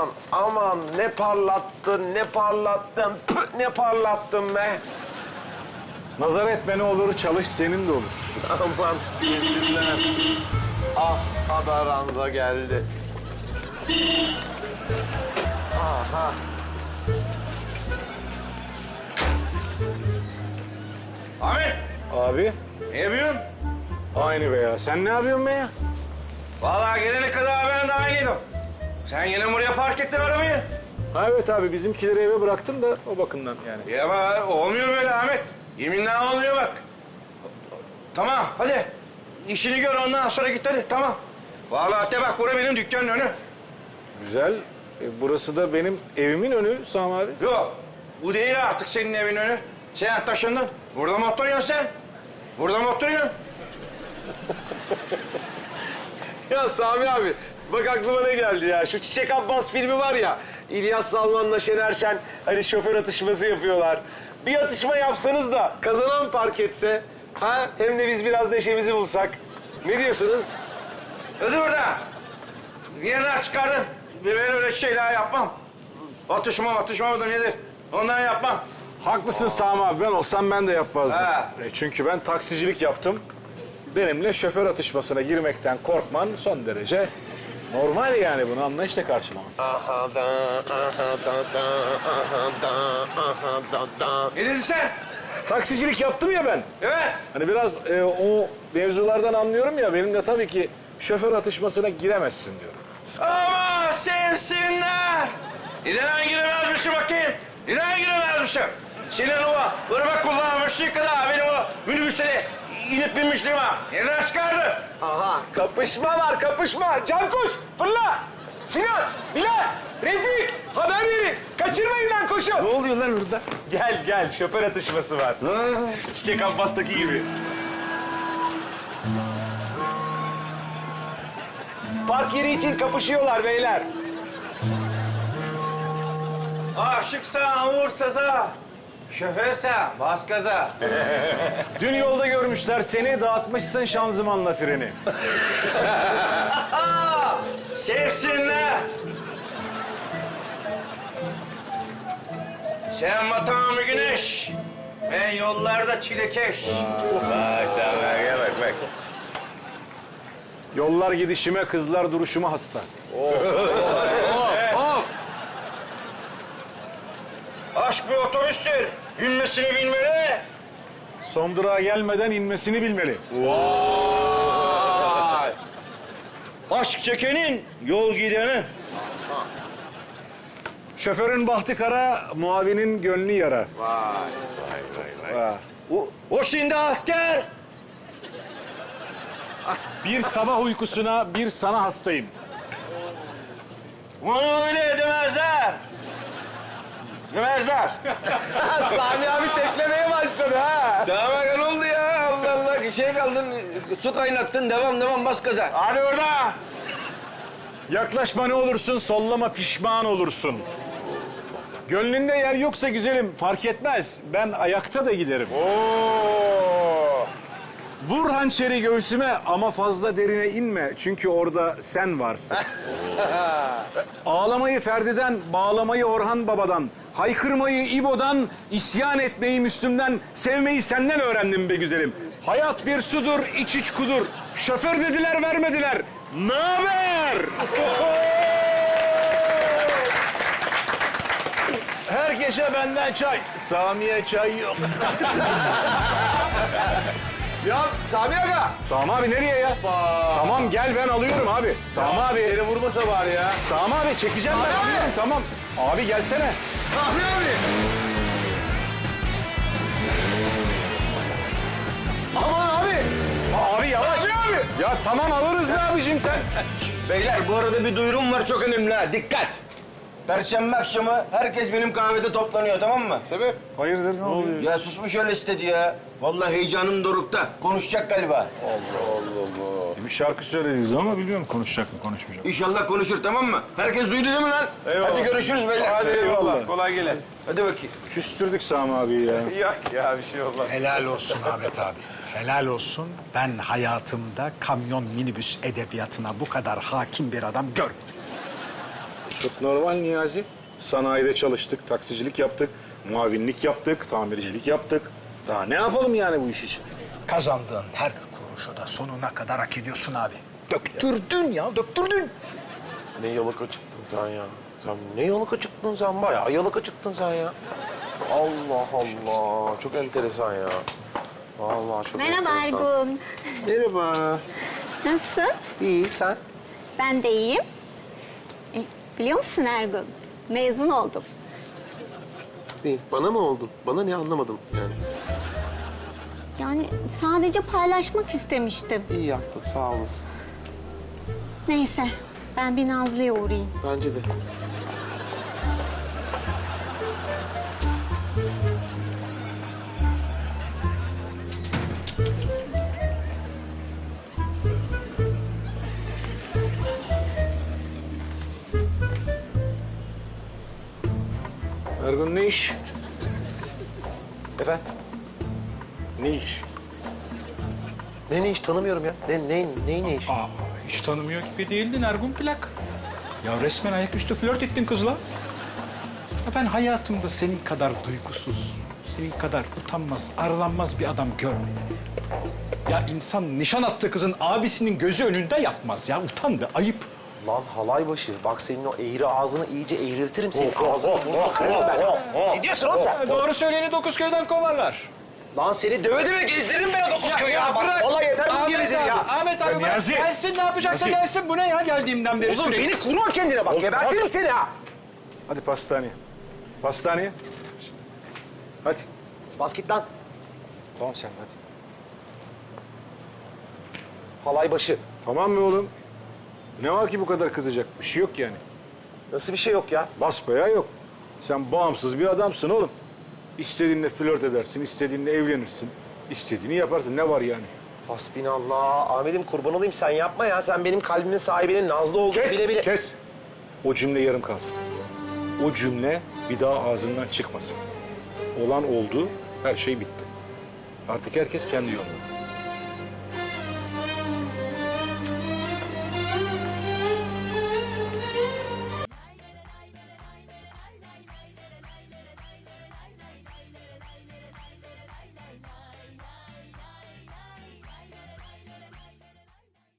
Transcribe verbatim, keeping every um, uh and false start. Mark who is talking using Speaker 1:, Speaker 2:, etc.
Speaker 1: aman aman ne parlattın ne parlattın püh, ne parlattın be.
Speaker 2: Nazar etme ne olur, çalış senin de olur.
Speaker 1: Aman yesinler. Ah haber ranza geldi. Aha.
Speaker 3: Ahmet,
Speaker 2: Abi,
Speaker 3: ne yapıyorsun?
Speaker 2: aynı be ya. Sen ne yapıyorsun be ya?
Speaker 3: Vallahi gelene kadar ben de aynıydım. Sen yine buraya park ettin arabayı.
Speaker 2: Ha, evet abi, bizimkileri eve bıraktım da o bakımdan yani.
Speaker 3: Ya ama olmuyor böyle Ahmet. Yeminle olmuyor bak. Tamam, hadi. İşini gör ondan sonra git hadi, tamam. Vallahi de bak, burası benim dükkanın önü.
Speaker 2: Güzel. E, burası da benim evimin önü Sami abi.
Speaker 3: Yok, bu değil artık senin evin önü. Sen taşındın. Burada mı oturuyorsun sen? Burada mı oturuyorsun?
Speaker 1: Ya Sami abi bak aklıma ne geldi ya. Şu Çiçek Abbas filmi var ya. İlyas Salman'la Şener Şen hani şoför atışması yapıyorlar. Bir atışma yapsanız da kazanan park etse. Ha? Hem de biz biraz neşemizi bulsak. Ne diyorsunuz?
Speaker 3: Hadi burada. Bir yerden çıkardın. Ben öyle şeyler yapmam. Atışma atışma mıdır nedir? Ondan yapmam.
Speaker 2: Haklısın Sami abi. Ben olsam ben de yapmazdım.
Speaker 3: Ha.
Speaker 2: E, çünkü ben taksicilik yaptım. Benimle şoför atışmasına girmekten korkman son derece normal yani. Bunu anlayışla karşılamak.
Speaker 1: Aha da, aha da da, aha da, aha da da.
Speaker 3: Ne dedin sen?
Speaker 2: Taksicilik yaptım ya ben.
Speaker 3: Evet.
Speaker 2: Hani biraz e, o mevzulardan anlıyorum ya. Benim de tabii ki şoför atışmasına giremezsin diyorum.
Speaker 3: Ama sevsinler. Neden giremezmişim bakayım? Neden giremezmişim? Senin o ırmak kullanmışlığı kadar benim o minibüsüne inip binmişliğim ha. Neden çıkardı?
Speaker 1: Aha kapışma var kapışma. Cankuş fırla. Sinan, Bilal, Refik haber verin. Kaçırmayın lan koşun.
Speaker 3: Ne oluyor lan orada?
Speaker 1: Gel gel şoför atışması var. Çiçek Abbas'taki gibi. Park yeri için kapışıyorlar beyler.
Speaker 3: Aşıksan vur saza. Şoförsen bas gaza.
Speaker 2: Dün yolda görmüşler seni, dağıtmışsın şanzımanla freni.
Speaker 3: Sevsinler. Sen matamı güneş. Ben yollarda çilekeş. Bak sen bak bak bak.
Speaker 2: Yollar gidişime, kızlar duruşuma hasta.
Speaker 3: Aşk bir otobüstür. Binmesini bilmeli.
Speaker 2: Son durağa gelmeden inmesini bilmeli.
Speaker 3: Aşk çekenin yol gidenin.
Speaker 2: Şoförün bahtı kara, muavinin gönlü yara.
Speaker 3: O, o şimdi asker.
Speaker 2: Bir sabah uykusuna, bir sana hastayım.
Speaker 3: Bunu öyle demezler. Demezler.
Speaker 1: Sami abi teklemeye başladı ha.
Speaker 4: Sana ne oldu ya? Allah Allah. Şey kaldın, su kaynattın. Devam devam bas gaza.
Speaker 3: Hadi burada.
Speaker 2: Yaklaşma ne olursun, sollama pişman olursun. Gönlünde yer yoksa güzelim, fark etmez. Ben ayakta da giderim.
Speaker 1: Oo.
Speaker 2: Vur hançeri göğsüme ama fazla derine inme. Çünkü orada sen varsın. Ağlamayı Ferdi'den, bağlamayı Orhan Baba'dan, haykırmayı İbo'dan, isyan etmeyi Müslüm'den, sevmeyi senden öğrendim be güzelim. Hayat bir sudur, iç iç kudur. Şoför dediler, vermediler. Naber? Herkese benden çay. Sami'ye çay yok.
Speaker 1: Ya Sami Aga.
Speaker 2: Sami abi nereye ya? Tamam gel ben alıyorum abi. Sami abi.
Speaker 1: Beni vurmasa bari ya.
Speaker 2: Sami abi çekeceğim ben
Speaker 1: Sami abi.
Speaker 2: alıyorum tamam. Abi gelsene.
Speaker 1: Sami abi. Aman abi.
Speaker 2: Abi yavaş.
Speaker 1: Sami abi.
Speaker 2: Ya tamam alırız be abicim sen.
Speaker 4: Beyler bu arada bir duyurum var çok önemli ha. Dikkat. Perşembe akşamı herkes benim kahvede toplanıyor tamam mı?
Speaker 1: Sebep?
Speaker 2: Hayırdır ne oluyor?
Speaker 4: Ya susmuş öyle istedi ya. Vallahi heyecanım dorukta. Konuşacak galiba.
Speaker 2: Bir şarkı söylediydi ama bilmiyorum konuşacak mı konuşmayacak mı?
Speaker 4: İnşallah konuşur tamam mı? Herkes duydu değil mi lan?
Speaker 1: Eyvallah.
Speaker 4: Hadi görüşürüz beyler.
Speaker 1: Hadi eyvallah.
Speaker 2: Eyvallah.
Speaker 1: Kolay gele.
Speaker 4: Hadi bakayım.
Speaker 2: Küstürdük Sami abi ya.
Speaker 1: Yok ya bir şey olmaz.
Speaker 5: Helal olsun Ahmet abi. Helal olsun. Ben hayatımda kamyon minibüs edebiyatına bu kadar hakim bir adam görmedim.
Speaker 2: Çok normal Niyazi. Sanayide çalıştık, taksicilik yaptık, muavinlik yaptık, tamircilik yaptık. Daha ne yapalım yani bu iş için?
Speaker 5: Kazandığın her kuruşu da sonuna kadar hak ediyorsun abi. Döktürdün ya, döktürdün.
Speaker 1: Ne yalaka çıktın sen ya. Sen ne yalaka çıktın sen? Bayağı yalaka çıktın sen ya. Allah Allah. Çok enteresan ya. Vallahi çok
Speaker 6: Merhaba
Speaker 1: enteresan.
Speaker 6: Ergun.
Speaker 1: Merhaba.
Speaker 6: Nasılsın?
Speaker 1: İyi sen?
Speaker 6: Ben de iyiyim. E, biliyor musun Ergun? Mezun oldum.
Speaker 1: İyi. Bana mı oldun? Bana ne anlamadım yani.
Speaker 6: Yani sadece paylaşmak istemiştim.
Speaker 1: İyi yaptın sağ olasın.
Speaker 6: Neyse, ben bir Nazlı'ya uğrayayım.
Speaker 1: Bence de.
Speaker 2: Ergun ne iş?
Speaker 1: Efendim?
Speaker 2: Ne iş?
Speaker 1: Ne ne iş tanımıyorum ya. Ne ne ne ne iş?
Speaker 5: Aa, hiç tanımıyor gibi değildin Ergun Plak. Ya resmen ayaküstü flört ettin kızla. Ya ben hayatımda senin kadar duygusuz, senin kadar utanmaz, arlanmaz bir adam görmedim. Ya insan nişan attığı kızın abisinin gözü önünde yapmaz ya. Utan be, ayıp.
Speaker 1: Lan halay başı. Bak senin o eğri ağzını iyice eğriltirim senin. Ağzını burnunu kırarım ben. Ne diyorsun oğlum sen?
Speaker 5: Ya doğru söyleyeni dokuz köyden kovarlar.
Speaker 1: Lan seni döve döve gezdiririm ben o dokuz köyü ya. Bak vallahi yeter bu
Speaker 5: Ahmet
Speaker 1: gevezin
Speaker 5: abi,
Speaker 1: ya.
Speaker 5: Ahmet abi bırak
Speaker 2: Niyazi.
Speaker 5: gelsin, ne yapacaksa
Speaker 2: Niyazi.
Speaker 5: gelsin. Bu ne ya geldiğimden beri
Speaker 1: Oğlum
Speaker 5: sürekli.
Speaker 1: beni kurma kendine bak. Gebertirim seni ha.
Speaker 2: Hadi pastaneye. Pastaneye. Hadi.
Speaker 1: Bas git lan.
Speaker 2: Tamam sen hadi.
Speaker 1: Halay başı.
Speaker 2: Tamam mı oğlum? Ne var ki bu kadar kızacak? Bir şey yok yani.
Speaker 1: Nasıl bir şey yok ya?
Speaker 2: Basbayağı yok. Sen bağımsız bir adamsın oğlum. İstediğinle flört edersin, istediğinle evlenirsin. İstediğini yaparsın. Ne var yani?
Speaker 1: Hasbinallah. Ahmet'im kurban olayım sen yapma ya. Sen benim kalbimin sahibinin Nazlı olduğunu bile bile...
Speaker 2: Kes. O cümle yarım kalsın. O cümle bir daha ağzından çıkmasın. Olan oldu, her şey bitti. Artık herkes kendi yoluna.